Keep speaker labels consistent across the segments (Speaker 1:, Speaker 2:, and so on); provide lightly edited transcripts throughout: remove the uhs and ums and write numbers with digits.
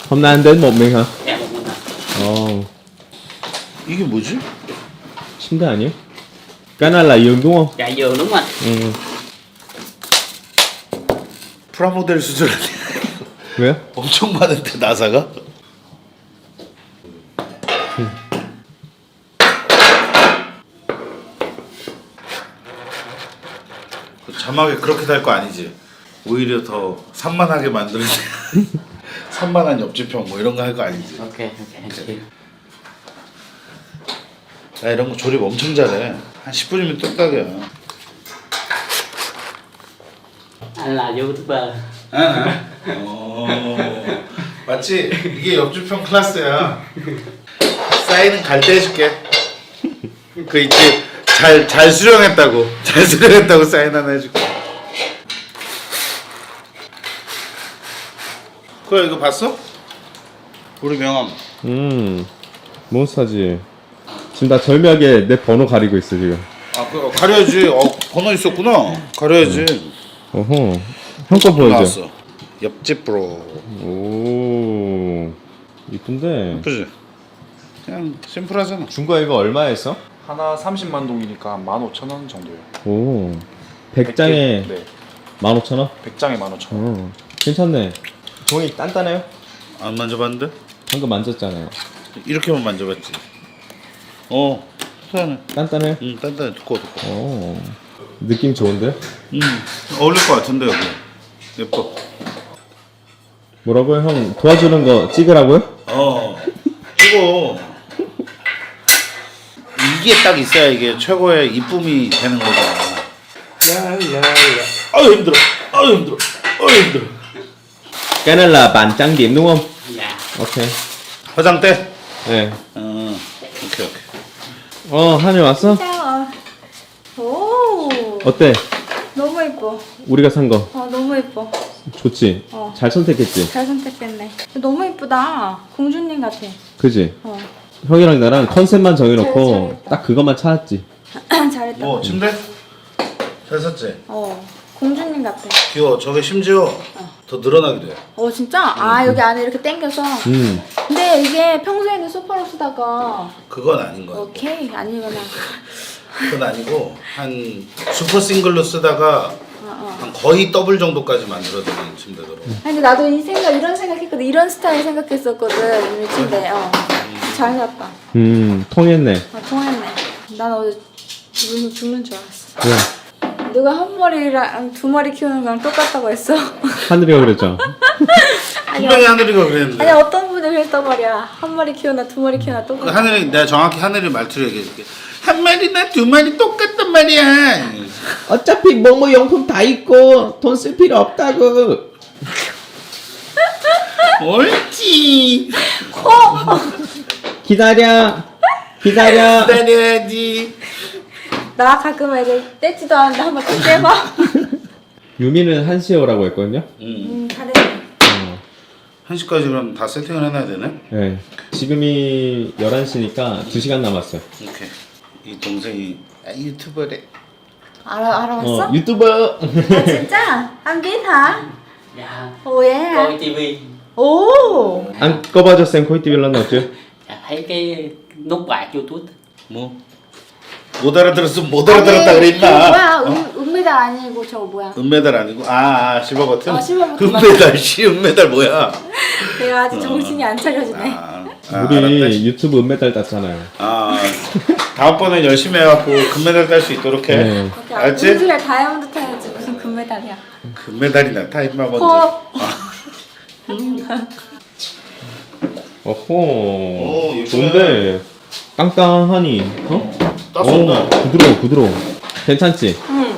Speaker 1: Hôm nay anh đến một mình hả?
Speaker 2: Dạ một mình ạ.
Speaker 1: Ồ,
Speaker 3: 이게 뭐지?
Speaker 1: 침대 아니에요? Cái này là giường đúng không?
Speaker 2: Dạ giường đúng rồi.
Speaker 1: Ừ.
Speaker 3: 프라모델 수준
Speaker 1: 왜요?
Speaker 3: 엄청 많은데 나사가? 자막에 그렇게 달 거 아니지? 오히려 더 산만하게 만드는 산만한 옆집형 뭐 이런 거 할 거 아니지?
Speaker 2: Ok anh chịu.
Speaker 3: 나 이런 거 조립 엄청 잘해. 한 10분이면 뚝딱이야.
Speaker 2: Anh là youtuber.
Speaker 3: 맞지? 이게 옆집형 클래스야. 사인은 갈 때 해줄게. 그 있지? 잘 수령했다고. 잘 수령했다고 사인 하나 해줄게. 그래 이거 봤어? 우리 명함.
Speaker 1: 몬스타지. 지금 나 절묘하게 내 번호 가리고 있어 지금.
Speaker 3: 아, 그 가려야지. 번호 있었구나. 가려야지.
Speaker 1: 어허. 형 거 보여줘.
Speaker 3: 나왔어. 옆집 브로.
Speaker 1: 오. 이쁜데.
Speaker 3: 예쁘지? 그냥 심플하잖아.
Speaker 1: 중고 이거 얼마에 했어?
Speaker 4: 하나 30만 동이니까 15,000원 정도요.
Speaker 1: 오. 100장에
Speaker 4: 네.
Speaker 1: 15,000원?
Speaker 4: 100장에 15,000원.
Speaker 1: 괜찮네. 종이 단단해요?
Speaker 3: 안 만져봤는데?
Speaker 1: 방금 만졌잖아요.
Speaker 3: 이렇게만 만져봤지. 편안해.
Speaker 1: 단단해요?
Speaker 3: 단단해. 두꺼워.
Speaker 1: 오. 느낌 좋은데?
Speaker 3: 어울릴 것 같은데 여기. 예뻐.
Speaker 1: 뭐라고요? 형 도와주는 거 찍으라고요?
Speaker 3: 이거 이게 딱 있어야 이게 최고의 이쁨이 되는 거잖아. 아유 힘들어. 힘들어.
Speaker 1: Cái này là bàn trang điểm đúng không?
Speaker 2: Dạ.
Speaker 1: 오케이.
Speaker 3: 화장대?
Speaker 1: 네.
Speaker 3: 오케이.
Speaker 1: 한이 왔어?
Speaker 5: 진짜. 오.
Speaker 1: 어때?
Speaker 5: 너무 예뻐.
Speaker 1: 우리가 산 거.
Speaker 5: 너무 예뻐.
Speaker 1: 좋지? 잘 선택했지?
Speaker 5: 잘 선택했네. 너무 예쁘다. 공주님 같아.
Speaker 1: 그지?
Speaker 5: 어.
Speaker 1: 형이랑 나랑 컨셉만 정해놓고
Speaker 5: 잘했다.
Speaker 1: 딱 그것만 찾았지.
Speaker 5: 잘했다.
Speaker 3: 뭐 침대? 잘 샀지?
Speaker 5: 공주님 같아.
Speaker 3: 귀여워. 저게 심지어 더 늘어나기도 해.
Speaker 5: 진짜? 여기 안에 이렇게 당겨서. 근데 이게 평소에는 소파로 쓰다가
Speaker 3: 그건 아닌 거야.
Speaker 5: 오케이 아니거나.
Speaker 3: 그건 아니고 한 슈퍼 싱글로 쓰다가 한 거의 더블 정도까지 만들어드는 침대더라고.
Speaker 5: 근데 나도 이런 생각했거든. 이런 스타일 생각했었거든. 이 침대. 잘 샀다.
Speaker 1: 통했네.
Speaker 5: 통했네. 난 어제 죽는 줄 알았어.
Speaker 1: 왜?
Speaker 5: 누가 한 머리랑 두 머리 키우는 거랑 똑같다고 했어.
Speaker 1: 하늘이가 그랬죠?
Speaker 3: 분명히 하늘이가 그랬는데.
Speaker 5: 아니 어떤 분이 그랬단 말이야. 한 머리 키우나 두 머리 키우나 똑같아.
Speaker 3: 하늘이 내가 정확히 하늘이 말투를 얘기해줄게. 한 마리나 두 마리 똑같단 말이야.
Speaker 1: 어차피 뭐뭐 용품 다 있고 돈 쓸 필요 없다고.
Speaker 3: 옳지.
Speaker 1: 기다려.
Speaker 3: 기다려야지.
Speaker 5: 나 가끔 애들 떼지도 않는데 한번 또 떼봐.
Speaker 1: 유미는 1시에 오라고 했거든요?
Speaker 5: 잘했네.
Speaker 3: 1시까지 그럼 다 세팅을 해놔야 되네?
Speaker 1: 네. 지금이 11시니까 2시간 남았어요.
Speaker 3: 오케이. 이 동생이 유튜버래.
Speaker 5: 알아봤어?
Speaker 1: 유튜버.
Speaker 5: 진짜? 안 biết hả?
Speaker 2: Dạ.
Speaker 5: 예.
Speaker 2: Coi tivi.
Speaker 5: 오.
Speaker 1: 안 꺼봐줘 쌤 코이티빌 런는 어째?
Speaker 2: Dạ thấy cái nút bạc YouTube.
Speaker 3: 뭐? 못 알아들었으면 못 알아들었다 그랬나?
Speaker 5: 뭐야? 은메달 아니고 저거 뭐야?
Speaker 3: 은메달 아니고 실버 버튼?
Speaker 5: 실버 버튼
Speaker 3: 은메달 은메달 뭐야?
Speaker 5: 내가 아직 정신이 안 차려지네.
Speaker 1: 우리
Speaker 3: 알았네.
Speaker 1: 유튜브 은메달 땄잖아요.
Speaker 3: 다음번엔 열심히 해갖고 금메달 딸 수 있도록 해.
Speaker 1: 네.
Speaker 3: 알았지?
Speaker 5: 우주에 다이아몬드 타야지 무슨 금메달이야.
Speaker 3: 금메달이나 타 임마 먼저.
Speaker 1: 어호.
Speaker 3: 예쁘네.
Speaker 1: 좋은데 깡깡하니.
Speaker 3: 땄었나?
Speaker 1: 부드러워. 괜찮지?
Speaker 5: 응.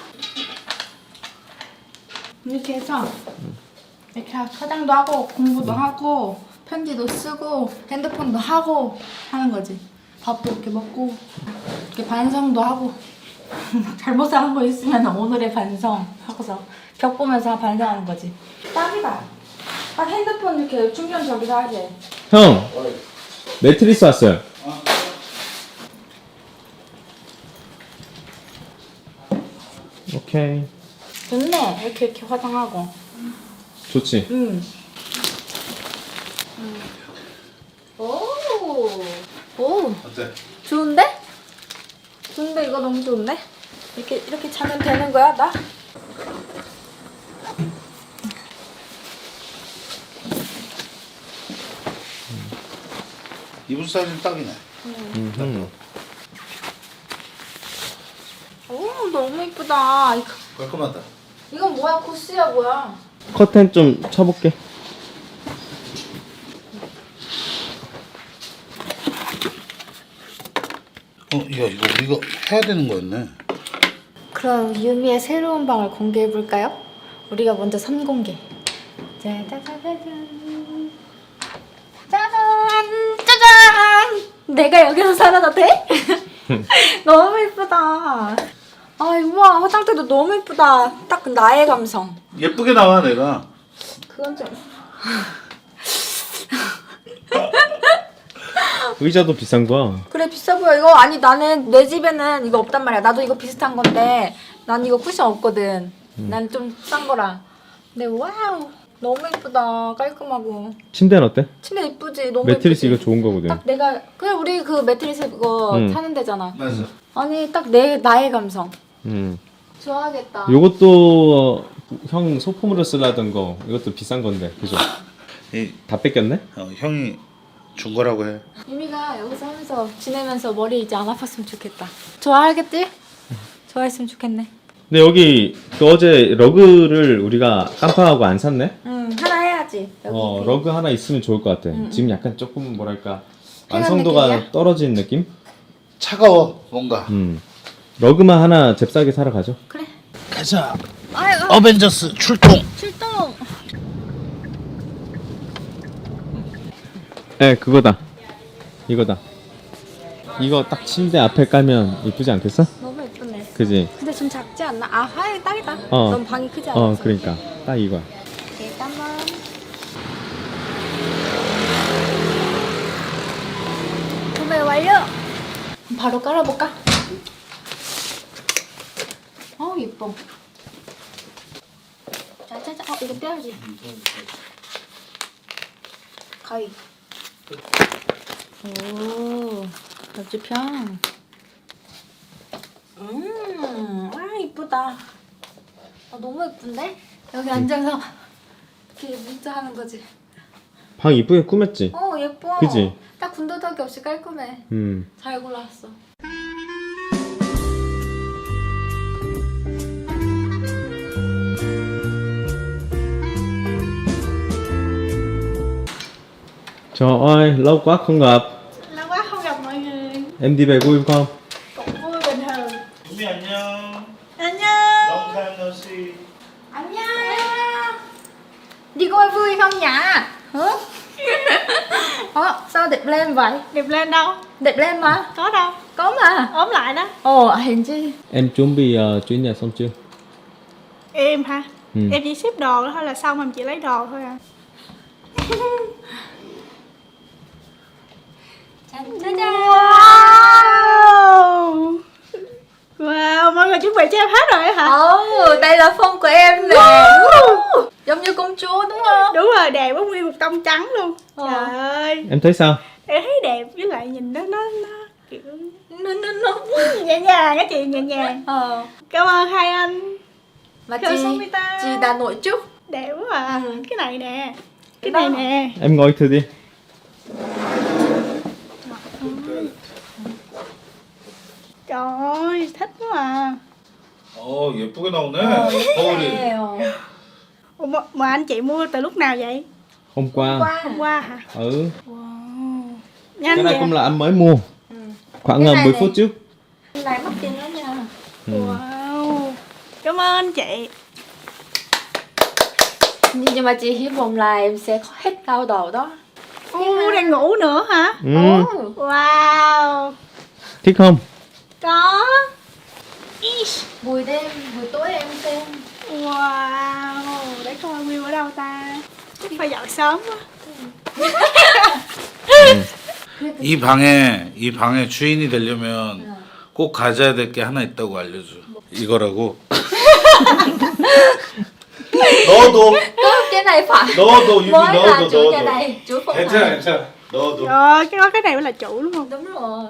Speaker 5: 이렇게 해서 이렇게 화장도 하고 공부도 하고 편지도 쓰고 핸드폰도 하고 하는 거지. 밥도 이렇게 먹고 이렇게 반성도 하고 잘못한 거 있으면 오늘의 반성 하고서 벽 보면서 반성하는 거지. 딱이다. 딱 핸드폰 이렇게 충전 저기서 하지.
Speaker 1: 형 매트리스 왔어요. 오케이.
Speaker 5: 좋네. 이렇게 화장하고.
Speaker 1: 좋지?
Speaker 5: 응. 오,
Speaker 3: 어때?
Speaker 5: 좋은데? 좋은데 이거 너무 좋은데? 이렇게 자면 되는 거야 나?
Speaker 3: 이불 사이즈는 딱이네.
Speaker 5: 오 너무 이쁘다.
Speaker 3: 깔끔하다.
Speaker 5: 이건 뭐야? 코스야 뭐야?
Speaker 1: 커튼 좀 쳐볼게.
Speaker 3: 야 이거 우리가 해야 되는 거였네.
Speaker 5: 그럼 유미의 새로운 방을 공개해 볼까요? 우리가 먼저 선공개. 짜자자자잔. 짜잔 짜잔. 내가 여기서 살아도 돼? 너무 이쁘다. 아 우와 화장대도 너무 이쁘다. 딱 나의 감성.
Speaker 3: 예쁘게 나와 내가.
Speaker 5: 그건 좀.
Speaker 1: 의자도 비싼 거야.
Speaker 5: 그래 비싸 보여. 이거 아니 나는 내 집에는 이거 없단 말이야. 나도 이거 비슷한 건데 난 이거 쿠션 없거든. 난 좀 싼 거라. 근데 와우 너무 이쁘다. 깔끔하고.
Speaker 1: 침대는 어때?
Speaker 5: 침대 이쁘지. 너무
Speaker 1: 매트리스
Speaker 5: 이쁘지?
Speaker 1: 이거 좋은 거거든.
Speaker 5: 딱 내가 그냥 우리 그 매트리스 그거 사는 데잖아.
Speaker 3: 맞아.
Speaker 5: 아니 딱 나의 감성. 좋아하겠다.
Speaker 1: 요것도 형 소품으로 쓰려던 거. 이것도 비싼 건데, 그죠? 다 뺏겼네?
Speaker 3: 형이 준 거라고 해.
Speaker 5: 유미가 여기서 하면서 지내면서 머리 이제 안 아팠으면 좋겠다. 좋아하겠지? 좋아했으면 좋겠네.
Speaker 1: 근데 여기 그 어제 러그를 우리가 깜빡하고 안 샀네?
Speaker 5: 하나 해야지. 여기
Speaker 1: 러그 하나 있으면 좋을 것 같아. 지금 약간 조금 뭐랄까
Speaker 5: 편한
Speaker 1: 완성도가
Speaker 5: 느낌이야?
Speaker 1: 떨어진 느낌?
Speaker 3: 차가워 뭔가.
Speaker 1: 러그만 하나 잽싸게 사러 가죠.
Speaker 5: 그래.
Speaker 3: 가자.
Speaker 5: 아이고
Speaker 3: 어벤져스 출동.
Speaker 5: 출동.
Speaker 1: 네, 그거다. 이거다. 이거 딱 침대 앞에 깔면 이쁘지 않겠어?
Speaker 5: 너무 예쁘네.
Speaker 1: 그지?
Speaker 5: 근데 좀 작지 않나? 아 하이 딱이다.
Speaker 1: 어.
Speaker 5: 너무 방이 크지 않아서.
Speaker 1: 그러니까 딱 이거야.
Speaker 5: 잠깐만. 구매 완료. 바로 깔아볼까? 예뻐. 짜자자. 이거 빼야지. 가위. 오, 옆집형. 이쁘다. 너무 예쁜데? 여기 앉아서 이렇게 문자 하는 거지.
Speaker 1: 방 이쁘게 꾸몄지?
Speaker 5: 예뻐.
Speaker 1: 그지?
Speaker 5: 딱 군더더기 없이 깔끔해. 잘 골랐어.
Speaker 1: Trời ơi, lâu quá không gặp.
Speaker 5: Lâu quá không gặp mọi người.
Speaker 1: Em đi về vui không?
Speaker 5: Cũng vui bình thường.
Speaker 3: 우미 안녕.
Speaker 5: 안녕.
Speaker 3: Long time no see.
Speaker 5: 안녕. Đi coi vui không nhỉ? Hả? Sao đẹp lên vậy?
Speaker 6: Đẹp lên đâu?
Speaker 5: Đẹp lên mà.
Speaker 6: Có đâu?
Speaker 5: Có mà.
Speaker 6: Ốm lại đó.
Speaker 5: Hèn chi.
Speaker 1: Em chuẩn bị chuyển nhà xong chưa?
Speaker 6: Em hả?
Speaker 1: Ừ.
Speaker 6: Em chỉ ship đồ thôi là xong, em chỉ lấy đồ thôi à.
Speaker 5: 짜자잔.
Speaker 6: Wow. Wow, mọi người chuẩn bị cho em hết rồi hả?
Speaker 5: Đây là phong của em nè. Giống như công chúa đúng không?
Speaker 6: Đúng rồi, đẹp quá, nguyên một tông trắng luôn.
Speaker 5: Ờ.
Speaker 6: Trời ơi,
Speaker 1: Em thấy sao?
Speaker 6: em thấy đẹp, với lại nhìn nó kiểu
Speaker 5: Nó.
Speaker 6: nhẹ nhàng á chị, nhẹ nhàng. Cảm ơn hai anh.
Speaker 5: Mà
Speaker 6: Cảm
Speaker 5: chị
Speaker 6: ơn người ta.
Speaker 5: chị đã nội chút.
Speaker 6: Đẹp quá à. Cái này nè, cái
Speaker 5: Đó.
Speaker 6: này nè.
Speaker 1: Em ngồi thử đi.
Speaker 6: Trời ơi, thích quá à.
Speaker 3: 예쁘게 나오네. 거울이.
Speaker 6: Ủa, mà anh chị mua từ lúc nào vậy?
Speaker 1: Hôm qua.
Speaker 6: Hôm qua hả?
Speaker 1: Ừ.
Speaker 6: Wow.
Speaker 1: Cái
Speaker 6: Nhanh
Speaker 1: này
Speaker 6: vậy.
Speaker 1: cũng là anh mới mua. Khoảng
Speaker 5: Cái này
Speaker 1: 10
Speaker 5: này.
Speaker 1: phút trước.
Speaker 5: Này mất tiền đó nha.
Speaker 6: Wow. Cảm ơn anh chị.
Speaker 5: Nhưng mà chị hy vọng là em sẽ hết đau đầu đó.
Speaker 6: Đang ngủ nữa hả? Wow.
Speaker 1: Thích không?
Speaker 6: Có. Ish.
Speaker 5: Buổi tối em xem.
Speaker 6: Wow. Để coi view ở đâu ta. Chắc phải dọn sớm quá.
Speaker 3: 이 방에 주인이 되려면 꼭 가져야 될 게 하나 있다고 알려줘. 이거라고. 너도
Speaker 5: Có cái cái này phải
Speaker 3: 넣어도 유미
Speaker 5: mới là
Speaker 3: 넣어도
Speaker 5: chủ nhà
Speaker 3: 넣어도.
Speaker 5: này, chủ phòng
Speaker 3: 괜찮아
Speaker 5: này.
Speaker 3: 괜찮아. 넣어도.
Speaker 6: Trời ơi, cái này mới là chủ đúng không?
Speaker 5: Đúng rồi.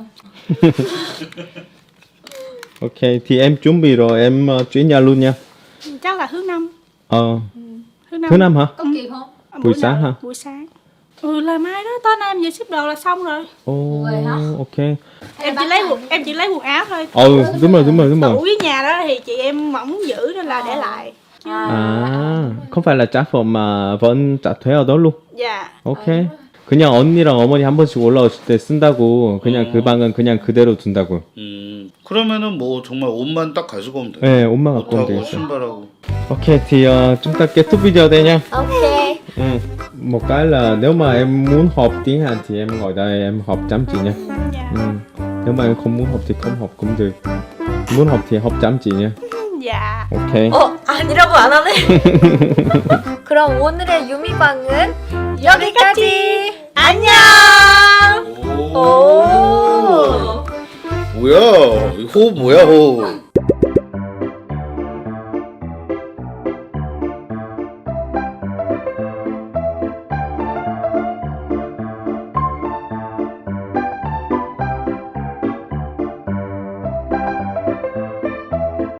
Speaker 1: Ok, thì em chuẩn bị rồi, em chuyển nhà luôn nha.
Speaker 6: Chắc là thứ năm.
Speaker 1: Thứ năm hả?
Speaker 5: Có kịp không?
Speaker 1: Buổi
Speaker 6: nào?
Speaker 1: sáng hả?
Speaker 6: Buổi sáng. Là mai đó, tối nay em vừa ship đồ là xong rồi.
Speaker 1: Ồ,
Speaker 5: Vậy hả?
Speaker 1: ok.
Speaker 6: Em chỉ lấy quần áo thôi.
Speaker 1: Đúng rồi.
Speaker 6: Tủ với nhà đó thì chị em không muốn giữ nên là để lại.
Speaker 1: À, không phải là trả phòng mà vẫn trả thuế ở đó luôn.
Speaker 6: Dạ.
Speaker 1: Ok. 그냥 언니랑 어머니 한 번씩 올라오실 때 쓴다고 그냥 그 방은 그냥 그대로 둔다고.
Speaker 3: 그러면은 뭐 정말 옷만 딱 가지고 오면 돼.
Speaker 1: 네, 옷만 갖고 오면
Speaker 3: 옷하고
Speaker 1: 되겠어요.
Speaker 3: 신발하고.
Speaker 1: Ok thì chúng ta kết thúc video đây nha.
Speaker 5: Ok.
Speaker 1: Một cái là nếu mà em muốn học tiếng Hàn thì em ngồi đây em học chăm chỉ nha.
Speaker 6: Dạ.
Speaker 1: Nếu mà em không muốn học thì không học cũng được. Muốn học thì học chăm chỉ nha.
Speaker 6: Dạ.
Speaker 1: Ok.
Speaker 5: 아니라고 안 하네. 그럼 오늘의 유미방은 여기까지. 안녕.
Speaker 3: 오. 뭐야? 호흡 뭐야 호흡?